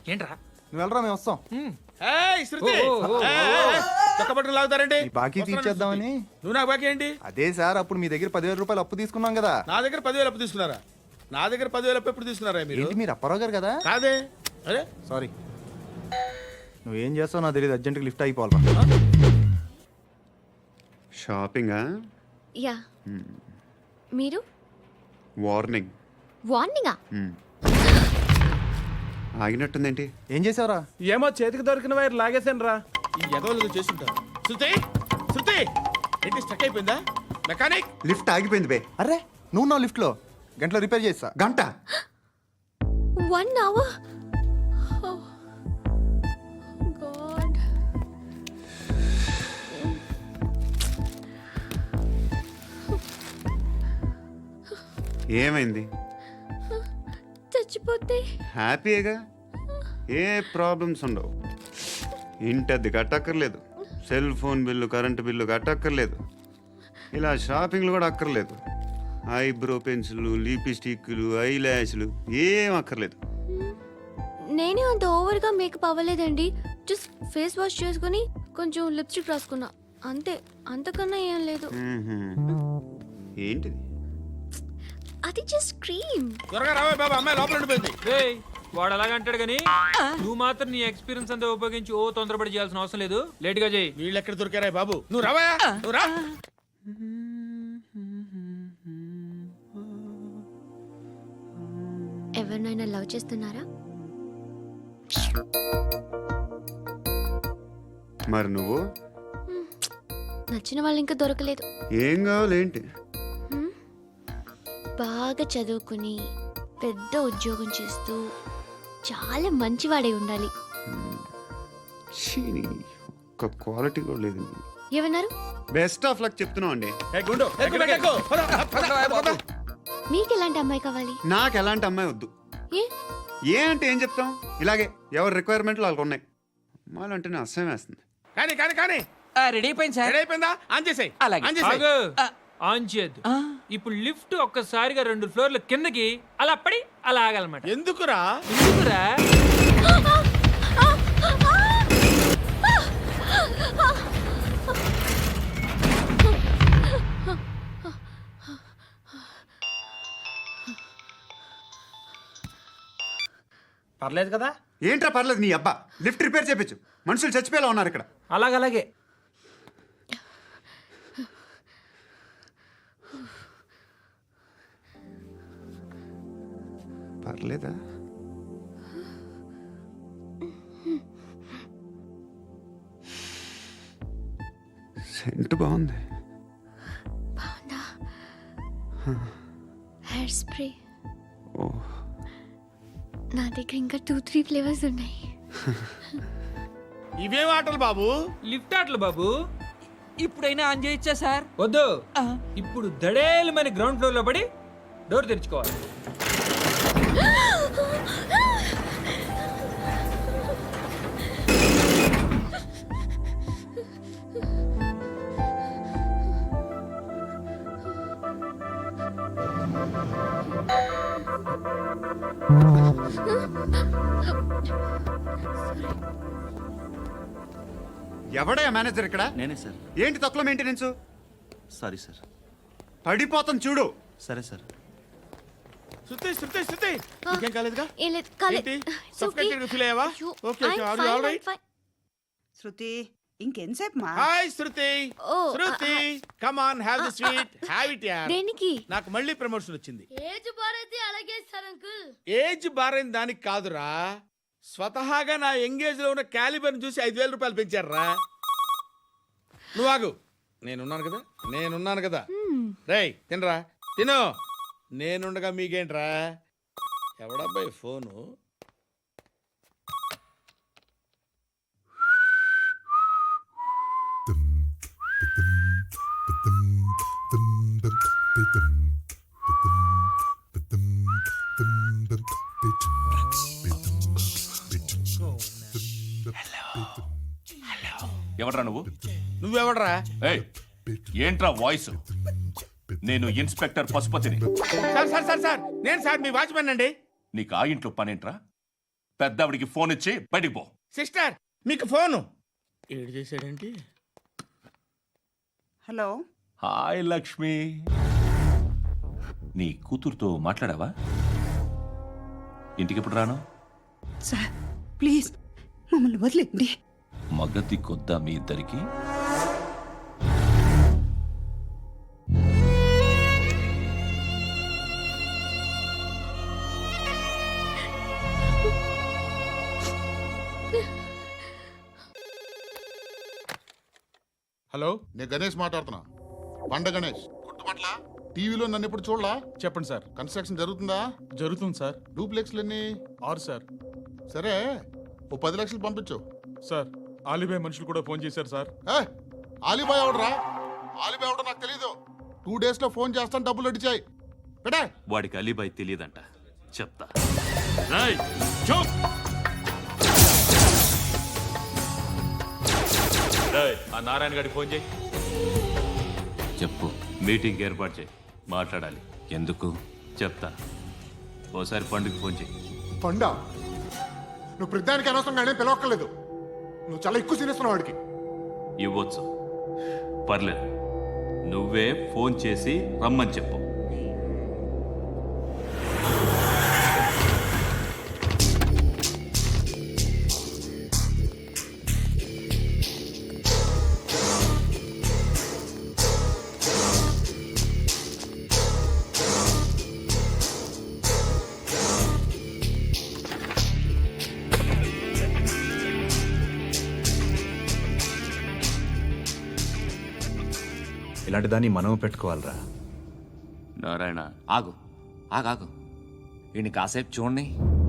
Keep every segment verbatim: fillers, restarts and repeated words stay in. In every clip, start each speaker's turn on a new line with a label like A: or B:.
A: ఏంట్రా
B: నువ్వు వెళ్ళరా మేము వస్తాం.
C: లాగుతారండి
B: బాకీ తీర్చేద్దామని.
C: నువ్వు నాకు బాకీ ఏంటి?
B: అదే సార్, అప్పుడు మీ దగ్గర పదివేల రూపాయలు అప్పు తీసుకున్నాం కదా.
C: నా దగ్గర పదివేలు అప్పు తీసుకున్నారా? నా దగ్గర పదివేలు అప్పు ఎప్పుడు తీసుకున్నారా మీరు?
B: ఏంటి మీరు అప్పారావు గారు కదా?
C: కాదే. అరే
B: సారీ. నువ్వేం చేస్తావు నాకు తెలియదు, అర్జెంట్గా లిఫ్ట్ అయిపోవాలి.
D: షాపింగా?
E: యా. మీరు?
D: వార్నింగ్.
E: వార్నింగా?
D: ఆగినట్టుందేంటి?
B: ఏం చేసావురా?
F: ఏమో చేతికి దొరికిన వైర్ లాగేసాను రా.
C: ఈ ఎగవలు చేస్తుంటారు. శృతి శృతి ఏంటి స్టక్ అయిపోయిందా? మెకానిక్
D: లిఫ్ట్ ఆగిపోయింది బే.
B: అరే నువ్వు నా లిఫ్ట్లో గంటలో రిపేర్ చేస్తా.
D: గంట?
E: One hour. గాడ్.
D: ఏమైంది?
E: చచ్చిపోతే
D: హ్యాపీగా, ఏ ప్రాబ్లమ్స్ ఉండవు. ఇంటద్ది కట్టక్కర్లేదు, cell phone bill current bill కట్టక్కర్లేదు, ఇలా షాపింగ్లు కూడా అక్కర్లేదు. ఐబ్రో పెన్సిల్, లిప్స్టిక్లు, ఐ ల్యాష్లు ఏం అక్కర్లేదు.
E: నేనే అంత ఓవర్గా మేకప్ అవ్వలేదండి. జస్ట్ ఫేస్ వాష్ చేసుకుని కొంచెం లిప్స్టిక్ రాసుకున్నా అంతే. అంతకన్నా ఏం లేదు.
D: ఏంటిది?
E: అది జస్ట్ క్రీమ్.
C: త్వరగా రావే బాబా, అమ్మాయి లోపల ఉండిపోయింది.
A: వాడు అలాగంటాడు కానీ నువ్వు మాత్రం నీ ఎక్స్పీరియన్స్ అంతా ఉపయోగించి ఓ తొందరపడి చేయాల్సిన అవసరం లేదు. లేట్ గా చేయి.
C: వీళ్ళు ఎక్కడ దొరికారా బాబు? నువ్వు రావా, నువ్వు రా.
E: ఎవరినైనా లవ్ చేస్తున్నారా?
D: మరి నువ్వు?
E: నచ్చిన వాళ్ళు ఇంకా దొరకలేదు.
D: ఏం కావాలేంటి?
E: బాగా చదువుకుని పెద్ద ఉద్యోగం చేస్తూ చాలా మంచివాడై ఉండాలి.
D: ఒక్క క్వాలిటీ కూడా లేదు.
E: ఏమన్నారు?
D: బెస్ట్ ఆఫ్ లక్ చెప్తున్నావు అండి.
E: మీకు ఎలాంటి అమ్మాయి కావాలి?
D: నాకు ఎలాంటి అమ్మాయి వద్దు.
E: ఏ
D: ఏ అంటే ఏం చెప్తాం, ఇలాగే ఎవరి రిక్వైర్మెంట్లు వాళ్ళకు ఉన్నాయి. అమ్మాయిలు అంటేనే అసహ్యం వేస్తుంది.
C: కానీ కానీ కానీ
A: రెడీ అయిపోయింది సార్.
C: రెడీ అయిపోయిందా? ఆన్ చేసేయ్. ఆన్ చేసేయ్.
A: ఆన్ చేయద్దు. ఇప్పుడు లిఫ్ట్ ఒక్కసారిగా రెండు ఫ్లోర్ల కిందకి అలా పడి అలా ఆగాలన్నమాట.
C: ఎందుకురా?
A: ఎందుకురా?
F: పర్లేదు కదా?
D: ఏంట్రా పర్లేదు నీ అబ్బా. లిఫ్ట్ రిపేర్ చేయించు. మనుషులు చచ్చిపోయేలా ఉన్నారు ఇక్కడ.
A: అలాగలాగే.
D: పర్లేదా? సెంట్ బాగుంది.
E: బాగుందా? Hair spray.
D: ఓ,
E: నా దగ్గర ఇంకా టూ త్రీ ఫ్లేవర్స్ ఉన్నాయి.
C: ఇవేం ఆటలు బాబు?
A: లిఫ్ట్ ఆటలు బాబు. ఇప్పుడైనా ఆన్ చేయొచ్చా సార్? వద్దు. ఇప్పుడు దడేలు మన గ్రౌండ్ ఫ్లోర్ లో పడి డోర్ తెరుచుకోవాలి.
D: ఎవడయ్యా మేనేజర్ ఇక్కడ?
G: నేనే సార్.
D: ఏంటి తక్కువ మెయింటెనెన్స్?
G: Sorry sir.
D: పడిపోతాం చూడు.
G: సరే సార్.
C: శృతి శృతి శృతి ఇంకేం కాలేదుగా?
E: ఏం లేదు, కాలేదు.
C: ఏంటి? Suffocated గా feel అయ్యావా? Okay, okay. Are you all right?
H: Shruti ఇంకెంతసేపు మా?
C: Hi Shruti.
E: Oh,
C: Shruti come on, have the sweet. Have it యార్.
E: దేనికి?
C: నాకు మళ్ళీ ప్రమోషన్ వచ్చింది.
E: ఏజ్ బారైతే అలాగే సార్ అంకుల్.
C: ఏజ్ బారైన దానికి కాదురా, స్వతహాగా నా ఎంగేజ్ లో ఉన్న క్యాలిబర్ చూసి ఐదు వేల రూపాయలు పెంచారా. నువ్వు ఆగు, నేనున్నాను కదా, నేనున్నాను కదా. రేయ్ తినరా, తిను. నేనుండగా మీకేంట్రా? ఎవడబ్బాయి ఫోను?
I: ఎవడ్రా నువ్వు?
C: నువ్వెవడ్రా?
I: ఏయ్, ఏంట్రా వాయిస్? నేను ఇన్స్పెక్టర్ పశుపతిని.
C: సార్ సార్ సార్ సార్ నేను సార్ మీ వాచ్మెన్ అండి.
I: నీకు ఆ ఇంట్లో పనేంట్రా? పెద్దవిడికి ఫోన్ ఇచ్చి బయటికి పో.
C: సిస్టర్ మీకు ఫోను ఏడు చేశాడేంటి?
H: హలో
I: హాయ్ లక్ష్మి, నీ కూతురుతో మాట్లాడావా? ఇంటికి ఎప్పుడు రాను?
H: సార్ ప్లీజ్ మమ్మల్ని వదిలేండి.
I: మగతి కొద్దా మీ ఇద్దరికి?
F: హలో,
G: నేను గణేష్ మాట్లాడుతున్నా. బండ గణేష్ గుర్తుపట్ల టీవీలో నన్ను ఇప్పుడు చూడలా?
F: చెప్పండి సార్.
G: కన్స్ట్రక్షన్ జరుగుతుందా?
F: జరుగుతుంది సార్.
G: డూప్లెక్స్లు ఎన్ని?
F: ఆరు సార్.
G: సరే ఓ పది లక్షలు పంపించు.
F: సార్, ఆలిబాయ్ మనుషులు కూడా ఫోన్ చేశారు సార్.
G: ఏ ఆలిబాయ్ ఎవడరా? ఆలిబాయ్ ఎవడో నాకు తెలీదు. టూ డేస్ లో ఫోన్ చేస్తాను, డబ్బులు అడిచాయి బేటే.
I: వాడికి అలీబాయ్ తెలియదంట, చెప్తా. రేయ్, చూప్. రేయ్, ఆ నారాయణ గారికి ఫోన్ చేయి. చెప్పు, మీటింగ్ ఏర్పాటు చేయి, మాట్లాడాలి. ఎందుకు చెప్తా. ఓసారి పండుగ ఫోన్ చేయి.
G: పండ నువ్వు ప్రతిదానికి అనవసరంగానే పిలవక్కర్లేదు. నువ్వు చాలా ఎక్కువ సీనిస్తున్నావు వాడికి.
I: ఇవ్వచ్చు, పర్లేదు. నువ్వే ఫోన్ చేసి రమ్మని చెప్పు.
B: ఇలాంటి దాన్ని మనం పెట్టుకోవాలరా.
I: నారాయణ,
J: ఆగు ఆగాగు ఈయన కాసేపు చూడండి.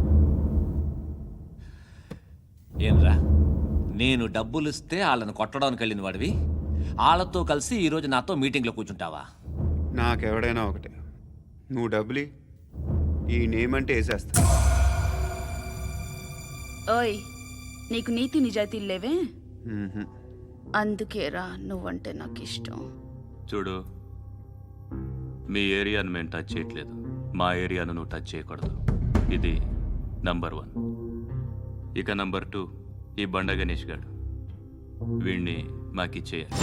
J: ఏంరా, నేను డబ్బులు ఇస్తే వాళ్ళని కొట్టడానికి వెళ్ళిన వాడివి, వాళ్ళతో కలిసి ఈరోజు నాతో మీటింగ్లో కూర్చుంటావా?
D: నాకెవడైనా ఒకటే. నువ్వు డబ్బులి, ఈ నేమ్ అంటే వేసేస్తా.
K: ఓయ్, నీకు నీతి నిజాయితీలు లేవే,
D: మ్మ్హ్మ్.
K: అందుకేరా నువ్వంటే నాకు ఇష్టం.
I: చూడు, మీ ఏరియాను మేము టచ్ చేయట్లేదు, మా ఏరియాను నువ్వు టచ్ చేయకూడదు. ఇది నంబర్ వన్. ఇక నంబర్ టూ, ఈ బండ గణేష్ గాడు, వీణ్ణి మాకిచ్చేయాలి.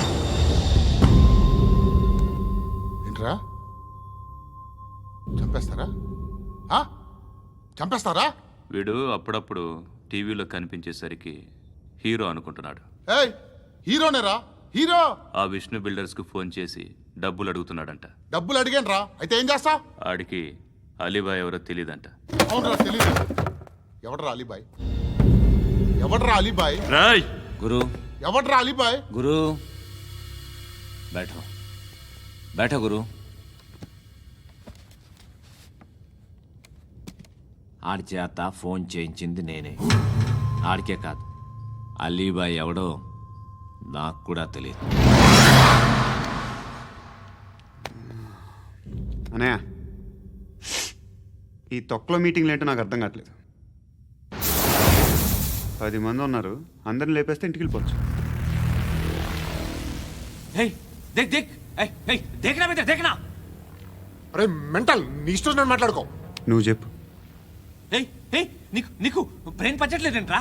G: ఏంట్రా చంపేస్తారా? ఆ? చంపేస్తారా?
I: వీడు అప్పుడప్పుడు టీవీలో కనిపించేసరికి హీరో అనుకుంటున్నాడు.
G: ఏయ్ హీరోనేరా, హీరో.
I: ఆ విష్ణు బిల్డర్స్కు ఫోన్ చేసి డబ్బులు అడుగుతున్నాడంట.
G: డబ్బులు అడిగాను రా, అయితే ఏం చేస్తా?
I: ఆడికి అలీబాయ్ ఎవరో తెలియదంట.
G: అవునరా, తెలీదు. ఎవడరా అలీబాయ్? ఎవడరా అలీబాయ్?
I: రాయ్
J: గురు
G: ఎవడరా అలీబాయ్?
J: గురు బైఠో బైఠో గురు. ఆడి చేత ఫోన్ చేయించింది నేనే. ఆడికే కాదు, అలీబాయ్ ఎవడో నాకు కూడా తెలియదు.
D: అనయ్య, ఈ తొక్కలో మీటింగ్లు ఏంటో నాకు అర్థం కావట్లేదు. పది మంది ఉన్నారు, అందరిని లేపేస్తే ఇంటికి వెళ్ళిపోవచ్చు.
J: హే దేక్ దేక్ ఏయ్ ఏయ్ దేకనా బిడ్డ దేకనా.
G: అరే మెంటల్, నీ ఇష్టం నేను మాట్లాడుకో.
D: నువ్వు చెప్పు.
J: ఏయ్ ఏయ్ నీకు నీకు బ్రెయిన్ పచ్చట్లేదంట్రా.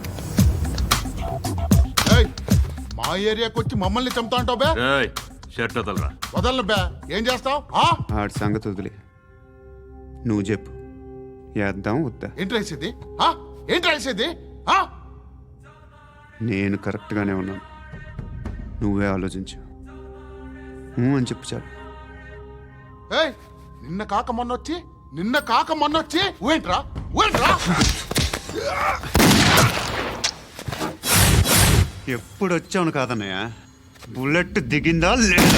G: ఏయ్ మా ఏరియాకి వచ్చి మమ్మల్ని చంపుతా అంటావు బే?
I: రాయ్, షర్ట్ వదలరా.
G: వదలను బే. ఏం చేస్తావు?
D: ఆడి సంగతి వదిలే, నువ్వు చెప్పు. వేద్దాం వద్దా?
G: ఏంటి రాసేది? ఆ? ఏంటి రాసేది? ఆ?
D: నేను కరెక్ట్గానే ఉన్నాను, నువ్వే ఆలోచించు. ఊ అని చెప్పు చాలు.
G: ఏయ్ నిన్న కాక మొన్నొచ్చి నిన్న కాక మొన్నొచ్చి ఊయంట్రా ఊయంట్రా.
D: ఎప్పుడు వచ్చావును కాదన్నయ్య, బుల్లెట్ దిగిందా లేదా?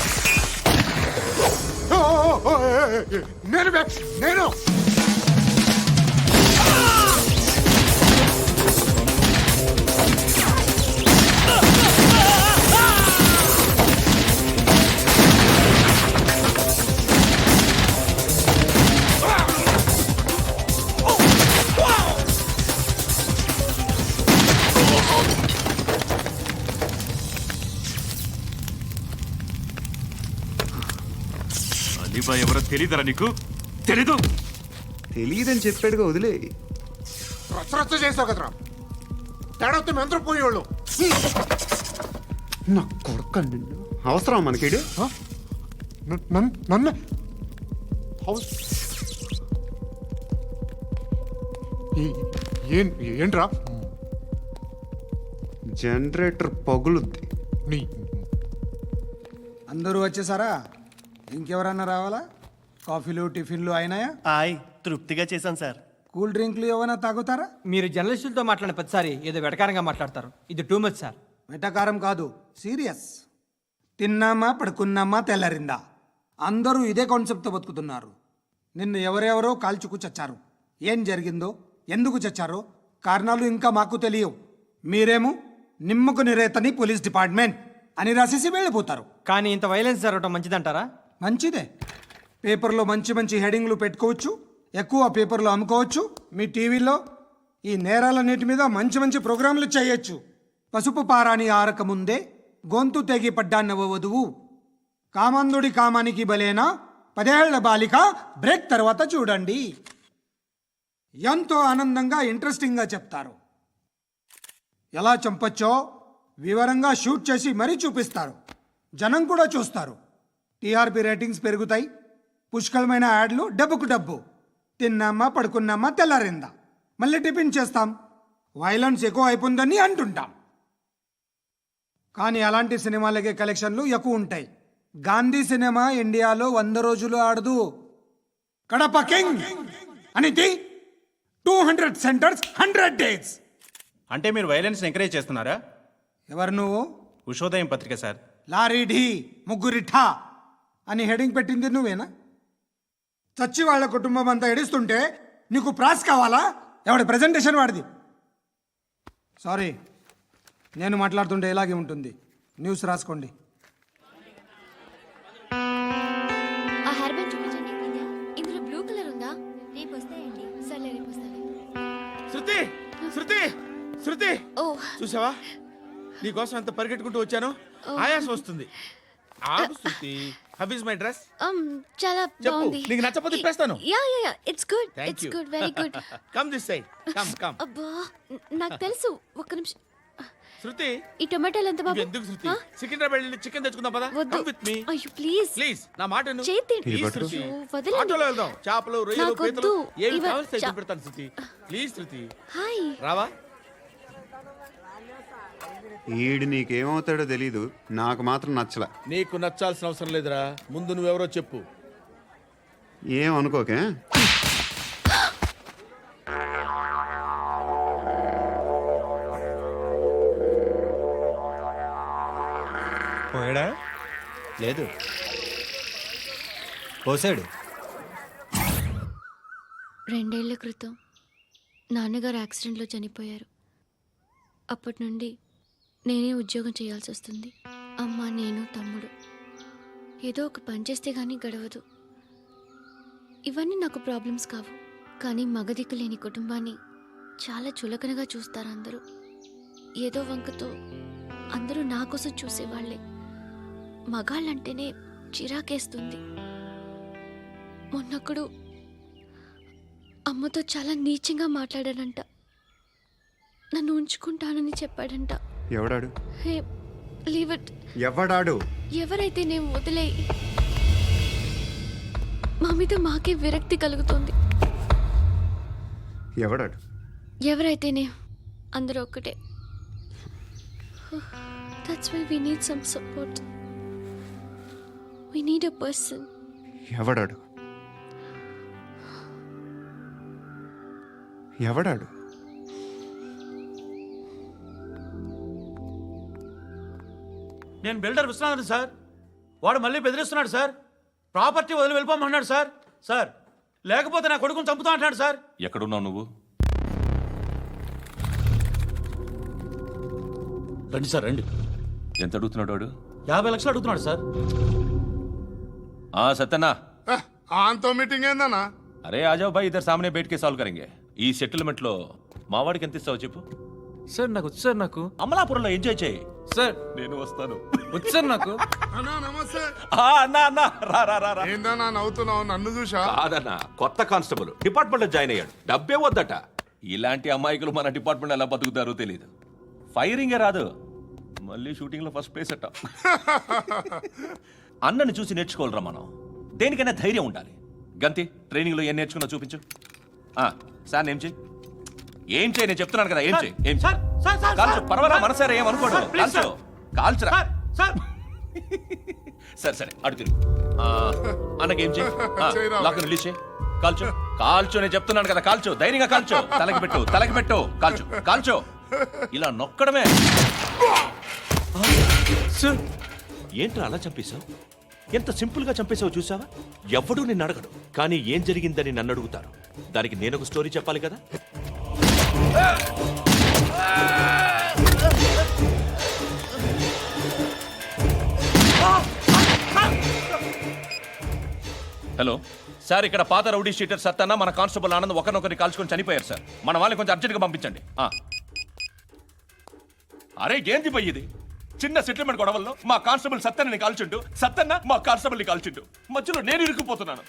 G: నేను బే, నేను
I: అలీబాయ్ ఎవరో తెలీదరా నీకు? తెలీదు.
D: తెలియదని చెప్పాడుగా, వదిలే.
G: రచ్చ రచ్చ చేసావు కదరా, తేడా వస్తే మెంతరం పోయేవాళ్ళు.
D: నా కొడుకు నిన్ను అవసరం మనకిడు.
G: నన్ను హౌస్ ఏంట్రా?
D: జనరేటర్ పగులుద్ది.
G: నీ
L: అందరూ వచ్చేసారా? ఇంకెవరన్నా రావాలా? కాఫీలు టిఫిన్లు అయినాయా?
B: ఆయ్ తృప్తిగా చేశాను సార్.
L: కూల్ డ్రింక్లు ఏమైనా తాగుతారా?
A: మీరు జర్నలిస్టులతో మాట్లాడిన ప్రతిసారి ఏదో వెటకారంగా మాట్లాడతారు. ఇది టూ మచ్ సార్.
L: వెటకారం కాదు, సీరియస్. తిన్నామా పడుకున్నామా తెల్లరిందా, అందరూ ఇదే కాన్సెప్ట్తో బతుకుతున్నారు. నిన్ను ఎవరెవరో కాల్చుకు చచ్చారు. ఏం జరిగిందో, ఎందుకు చచ్చారో కారణాలు ఇంకా మాకు తెలియవు. మీరేమో నిమ్మకు నిరేతని పోలీస్ డిపార్ట్మెంట్ అని రాసేసి వెళ్ళిపోతారు.
A: కానీ ఇంత వైలెన్స్ జరగడం మంచిదంటారా?
L: మంచిదే. పేపర్లో మంచి మంచి హెడింగ్లు పెట్టుకోవచ్చు, ఎక్కువ పేపర్లు అమ్ముకోవచ్చు. మీ టీవీలో ఈ నేరాలన్నిటి మీద మంచి మంచి ప్రోగ్రాంలు చేయొచ్చు. పసుపు పారాని ఆరక ముందే గొంతు తెగి పడ్డాన్నవ వధువు, కామందుడి కామానికి బలేనా పదేళ్ల బాలిక బ్రేక్ తర్వాత చూడండి. ఎంతో ఆనందంగా ఇంట్రెస్టింగ్గా చెప్తారు. ఎలా చంపచ్చో వివరంగా షూట్ చేసి మరీ చూపిస్తారు. జనం కూడా చూస్తారు. టీఆర్పీ రేటింగ్స్ పెరుగుతాయి. పుష్కలమైన యాడ్లు, డబ్బుకు డబ్బు. తిన్నామా పడుకున్నామా తెల్లారిందా, మళ్ళీ టిఫిన్ చేస్తాం. వైలెన్స్ ఎక్కువ అయిపోయిందని అంటుంటాం. కానీ అలాంటి సినిమాలకే కలెక్షన్లు ఎక్కువ ఉంటాయి. గాంధీ సినిమా ఇండియాలో వంద రోజులు ఆడదు. కడప కింగ్ అనేది two hundred centres hundred days.
B: అంటే మీరు వైలెన్స్ ఎంకరేజ్ చేస్తున్నారా?
L: ఎవరు నువ్వు?
B: ఉషోదయం పత్రిక సార్.
L: లారీ ఢీ ముగ్గురి ఠా అని హెడింగ్ పెట్టింది నువ్వేనా? చచ్చి వాళ్ళ కుటుంబం అంతా ఎడుస్తుంటే నీకు ప్రాస్ కావాలా? ఎవడి ప్రజెంటేషన్ వాడిది. సారీ, నేను మాట్లాడుతుంటే ఇలాగే ఉంటుంది. న్యూస్ రాసుకోండి.
E: ఆ హెయిర్ బ్యాండ్ చూపించండి. ఇందులో బ్లూ కలర్ ఉందా? రేపు వస్తాయండి. సర్లే, రేపు వస్తాను.
C: శృతి శృతి శృతి,
E: ఓ
C: చూసావా నీకోసం ఎంత పరిగెట్టుకుంటూ వచ్చాను. ఆయాసం వస్తుంది. ఆగు Shruti. How is my dress?
E: um చాలా
C: చెప్పు.
E: బాగుంది.
C: నీకు నచ్చకపోతే తిప్పేస్తాను.
E: Yeah yeah yeah, it's good.
C: Thank
E: it's
C: you.
E: Good, very good.
C: Come this side. Come come.
E: అబ్బా, న- నాకు తెలుసు. ఒక్క నిమిషం.
C: శృతి,
E: ఈ టొమాటోలు ఎంత బాబు?
C: ఎందుకు శృతి?
E: ఆ?
C: సికింద్రాబాద్ వెళ్ళి చికెన్ తెచ్చుకుందాం పదా.
E: వద్దు.
C: కమ్ విత్ మీ
E: అయ్యో ప్లీజ్
C: ప్లీజ్. నా మాట విను.
E: చేతి
C: ప్లీజ్
D: పట్టు.
C: శృతి.
E: అయ్యో, వదలండి.
C: ఆటోలో వెళ్దాం. చేపలు, రొయ్యలు,
E: నాకు
C: పీతలు
E: వద్దు.
C: ఏమి
E: ఇవ-
C: కావాలి
E: చా-
C: తెచ్చి పెడతాను శృతి. Please Shruti.
E: హాయ్.
C: రావా?
D: ఈడు నీకేమవుతాడో తెలీదు, నాకు మాత్రం నచ్చలా.
C: నీకు నచ్చాల్సిన అవసరం లేదురా. ముందు నువ్వెవరో చెప్పు.
D: ఏం అనుకోకే.
B: పోయాడా? లేదు, పోసాడు.
E: రెండేళ్ల క్రితం నాన్నగారు యాక్సిడెంట్లో చనిపోయారు. అప్పటి నుండి నేనే ఉద్యోగం చేయాల్సి వస్తుంది. అమ్మ, నేను, తమ్ముడు ఏదో ఒక పని చేస్తే కానీ గడవదు. ఇవన్నీ నాకు ప్రాబ్లమ్స్ కావు. కానీ మగదిక్కు లేని కుటుంబాన్ని చాలా చులకనగా చూస్తారు అందరూ. ఏదో వంకతో అందరూ నా కోసం చూసేవాళ్లే. మగాళ్ళంటేనే చిరాకేస్తుంది. మొన్నప్పుడు అమ్మతో చాలా నీచంగా మాట్లాడాడంట. నన్ను ఉంచుకుంటానని చెప్పాడంట.
D: ఎవడాడు?
E: Hey, leave it.
D: ఎవడాడు?
E: ఎవరైతే నేను వదిలే. మా మీద మాకే విరక్తి కలుగుతుంది.
D: ఎవడాడు?
E: ఎవరైతేనే అందరూ ఒక్కటే. That's why we need some support. We need a person.
D: ఎవడాడు? ఎవడాడు?
B: నేను బిల్డర్ విశ్వనాథన్ సార్. వాడు మళ్ళీ బెదిరిస్తున్నాడు సార్. ప్రాపర్టీ వదిలి వెళ్ళిపోమన్నాడు సార్. సార్, లేకపోతే నా కొడుకుని చంపుతా అంటాడు సార్.
I: ఎక్కడున్నావు నువ్వు?
B: రండి సార్, రండి.
I: ఎంత అడుగుతున్నాడు వాడు?
B: యాభై లక్షలు అడుగుతున్నాడు సార్.
I: ఆ సత్యనా,
G: ఆంతో మీటింగ్ ఏందన్నా?
I: అరే ఆజావ్ భాయ్, ఇద్దరు సామనే బయటకే సాల్వ్ కరెంగే. ఈ సెటిల్మెంట్ లో మా వాడికి ఎంత ఇస్తావు చెప్పు.
A: సార్ నాకు వచ్చు సార్. నాకు
B: అమలాపురంలో ఎంజాయ్ చేయి
A: సార్.
I: నేను వస్తాను.
A: వచ్చు సార్ నాకు.
G: అన్నా నమస్తే.
M: అన్నా అన్నా రా రా రా రా.
G: ఏందన్నా నవ్వుతున్నావు? నన్ను చూసా?
M: కాదన్నా, కొత్త కానిస్టేబుల్ డిపార్ట్మెంట్ లో జాయిన్ అయ్యాడు. డబ్బే వద్దట. ఇలాంటి అమాయకులు మన డిపార్ట్మెంట్ ఎలా బతుకుతారో తెలియదు. ఫైరింగే రాదు, మళ్ళీ షూటింగ్ లో ఫస్ట్ ప్లేస్ అట్ట. అన్నని చూసి నేర్చుకోవాలరా మనం. దేనికైనా ధైర్యం ఉండాలి. గంతి, ట్రైనింగ్ లో ఏం నేర్చుకున్నా చూపించు. ఆ, సార్ ఏం చేయి ఏం చేయి నేను చెప్తున్నాను కదా. ఏం చేయి ఏం
B: సార్, సార్, సార్,
M: కాల్చు.
B: సార్.
M: పర్వాలా,
B: సార్,
M: మనసారా ఏం అనుకోడు.
B: సార్, ప్లీజ్,
M: కాల్చు కాల్చురా.
B: Sir, sir.
M: సరే సరే అడు తిరుగు. ఆ, అన్నకేం చేయి.
G: చేయరా.
M: లాక్ రిలీజ్ చేయి. కాల్చు కాల్చు నేను చెప్తున్నాను కదా. కాల్చు, ధైర్యంగా కాల్చు. తలకి పెట్టు తలకి పెట్టు. కాల్చు కాల్చు. ఇలా నొక్కడమే.
B: సార్,
M: ఏంట్రా అలా చంపేశావు? ఎంత సింపుల్ గా చంపేశావు చూసావా? ఎవడూ నిన్ను అడగడు, కానీ ఏం జరిగిందని నన్ను అడుగుతారు. దానికి నేను ఒక స్టోరీ చెప్పాలి కదా. హలో సార్, ఇక్కడ పాత రౌడీ షీటర్ సత్తన్న మన కానిస్టేబుల్ ఆనంద్ ఒకరినొకరిని కాల్చుకొని చనిపోయారు సార్. మన వాళ్ళని కొంచెం అర్జెంట్గా పంపించండి. ఆ. అరే ఏంది పోయి ఇది? చిన్న సెటిల్మెంట్ గొడవల్లో మా కానిస్టేబుల్ సత్తన్నని కాల్చుంటూ, సత్తన్న మా కానిస్టేబుల్ని కాల్చుంటూ, మధ్యలో నేను ఇరుక్కుపోతున్నాను.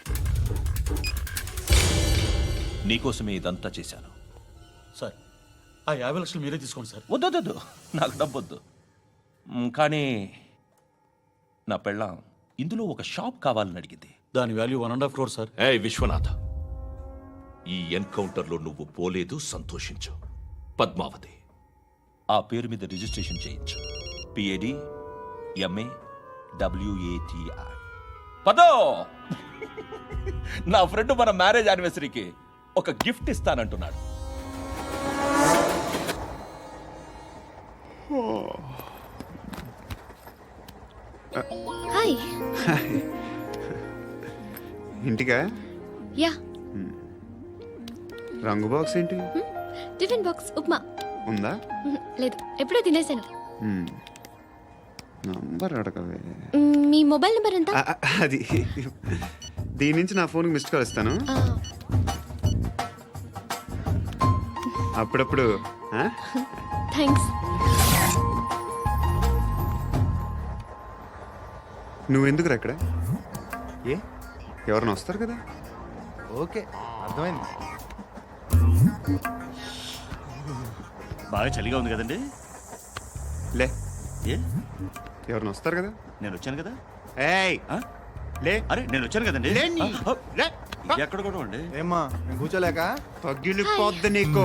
M: నీకోసమే ఇదంతా చేశాను.
B: సార్, ఆ యాభై లక్షలు మీరే తీసుకోండి సార్.
M: వద్దొద్దు, నాకు డబ్బొద్దు. మ్, కానీ నా పెళ్ళాం ఇందులో ఒక షాప్ కావాలని అడిగింది.
B: దాని value one and half crore sir.
M: ఏ విశ్వనాథ, ఈ ఎన్కౌంటర్లో నువ్వు పోలేదు, సంతోషించు. పద్మావతి ఆ పేరు మీద రిజిస్ట్రేషన్ చేయించు. పిఏడి ఎంఏ డబ్ల్యూఏటిఐ. పదో, నా ఫ్రెండ్ మన మ్యారేజ్ యానివర్సరీకి ఒక గిఫ్ట్ ఇస్తానంటున్నాడు.
E: హాయ్.
D: ఇంటికా?
E: యా.
D: రంగు బాక్స్ ఏంటి?
E: Tiffin box upma.
D: ఉందా?
E: మ్మ్, లేదు, ఎప్పుడో తినేసాను.
D: మ్మ్. నంబర్ అడగవే.
E: మ్మ్, మీ మొబైల్ నెంబర్ ఎంత?
D: ఆ, ఆ, అది దీని నుంచి నా ఫోన్కి మిస్డ్ కాల్ ఇస్తాను.
E: ఆ,
D: అప్పుడప్పుడు ఆ?
E: థ్యాంక్స్.
D: నువ్వెందుకురా ఇక్కడ? ఏ ఎవరైనా వస్తారు కదా.
C: ఓకే, అర్థమైంది.
B: బాగా చలిగా ఉంది కదండి.
D: లే,
B: ఏ
D: ఎవరైనా వస్తారు కదా.
B: నేను వచ్చాను కదా.
D: ఏయ్
B: ఆ?
D: లే.
B: అరే నేను వచ్చాను కదండి.
D: లే నీ.
B: ఆ,
D: లే.
B: ఎక్కడ కూడా అండి.
C: ఏమ్మా కూర్చోలేక?
D: పగిలిపోద్ది నీకు.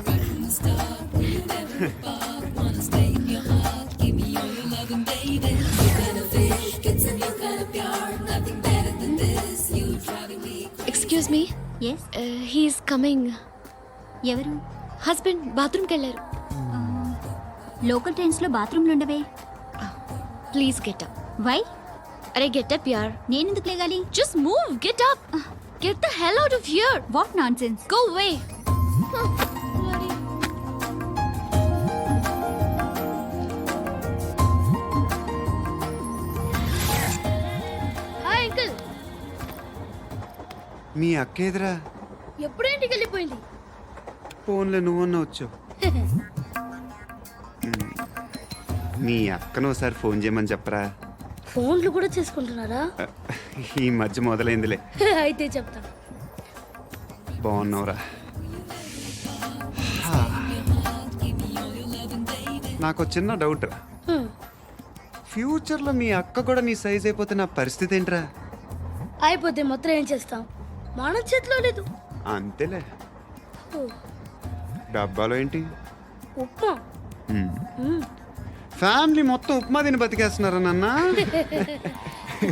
E: Excuse me.
H: Yes,
E: he's coming.
H: ఎవరు?
E: హస్బెండ్ బాత్రూమ్కి వెళ్ళారు.
H: లోకల్ ట్రైన్స్లో బాత్రూమ్లు ఉండవే.
E: Please get up.
H: వై?
E: అరే గెట్ అప్ యార్.
H: నేనెందుకు లేగాలి?
E: Just move, get up. Get the hell out of here.
H: What nonsense.
E: Go away. Hi uncle.
D: మీ అక్క ఎదురా?
E: ఎప్పుడు ఇంటికి వెళ్ళిపోయింది?
D: ఫోన్లో నువ్వన్నా వచ్చావు. మీ అక్కను ఒకసారి ఫోన్ చేయమని చెప్పరా.
E: ఫోన్లు కూడా చేసుకుంటున్నారా?
D: ఈ మధ్య మొదలైందిలే.
E: అయితే చెప్తా.
D: బాగున్నావురా? నాకు చిన్న డౌట్ రా. ఫ్యూచర్లో మీ అక్క కూడా నీ సైజ్ అయిపోతే నా పరిస్థితి ఏంట్రా?
E: అయిపోతే మొత్తం ఏం చేస్తాం? మన చేతిలో లేదు.
D: అంతేలే. డబ్బాలో ఏంటి?
E: ఉప్మా.
D: ఫ్యామిలీ మొత్తం ఉప్మా తిని బతికేస్తున్నారా నాన్న?